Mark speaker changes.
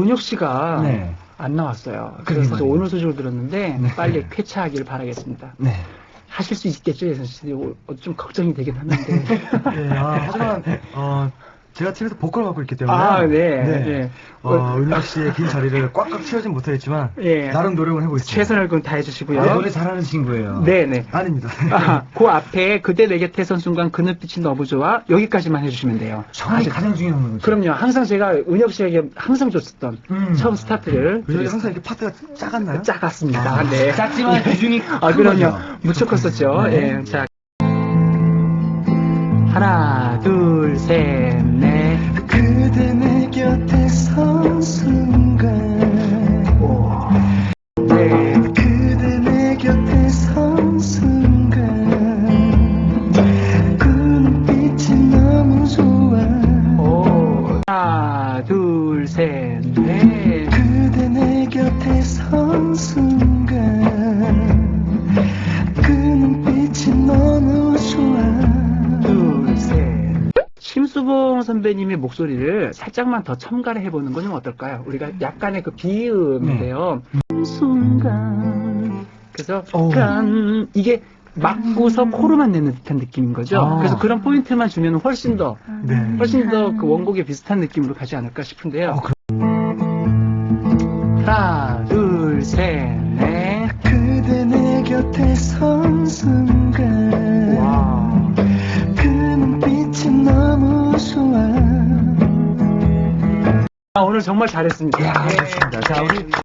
Speaker 1: 은혁 씨가
Speaker 2: 네.
Speaker 1: 안 나왔어요.
Speaker 2: 그러게
Speaker 1: 그래서
Speaker 2: 말이에요.
Speaker 1: 오늘 소식을 들었는데
Speaker 2: 네.
Speaker 1: 빨리 쾌차하기를 바라겠습니다.
Speaker 2: 네.
Speaker 1: 하실 수 있겠죠, 예선 씨? 좀 걱정이 되긴 하는데.
Speaker 2: 네, 하지만, 제가 팀에서 보컬을 맡고 있기 때문에.
Speaker 1: 아, 네. 네.
Speaker 2: 은혁 씨의 빈 자리를 꽉꽉 채우진 못하겠지만.
Speaker 1: 예.
Speaker 2: 나름 노력을 해보겠습니다.
Speaker 1: 최선을 다해 주시고요.
Speaker 2: 노래 잘하는 친구예요.
Speaker 1: 네네.
Speaker 2: 아닙니다.
Speaker 1: 그 앞에 그대 내게 태선 순간 그 눈빛이 너무 좋아 여기까지만 해주시면 돼요.
Speaker 2: 처음이 가장 중요한 거죠.
Speaker 1: 그럼요. 항상 제가 은혁 씨에게 항상 줬었던 처음 스타트를
Speaker 2: 은혁이 항상 이렇게 파트가 작았나요?
Speaker 1: 작았습니다. 네.
Speaker 2: 작지만 비중이
Speaker 1: 그럼요. 무척 컸었죠.
Speaker 2: 네.
Speaker 1: 예. 자, 하나, 둘, 셋, 넷.
Speaker 2: 그대 내 곁에 선 순간.
Speaker 1: 오. 네.
Speaker 2: 그대 내 곁에 선 순간. 그 눈빛이 너무 좋아.
Speaker 1: 오. 하나, 둘, 셋, 넷.
Speaker 2: 그대 내 곁에 선 순간. 그 눈빛이 너무 좋아.
Speaker 1: 둘, 셋. 심수봉 선배님의 목소리를 살짝만 더 첨가를 해보는 건 좀 어떨까요? 우리가 약간의 그 비음인데요. 순간. 그래서 약간 이게 막고서 코로만 내는 듯한 느낌인 거죠. 그래서 그런 포인트만 주면 훨씬 더 그 원곡에 비슷한 느낌으로 가지 않을까 싶은데요. 하나, 둘, 셋, 넷.
Speaker 2: 그대 내 곁에 선 순간.
Speaker 1: 와.
Speaker 2: 그 눈빛이 너무 좋아.
Speaker 1: 오늘 정말 잘했습니다.
Speaker 2: 야, 좋습니다. 자, 우리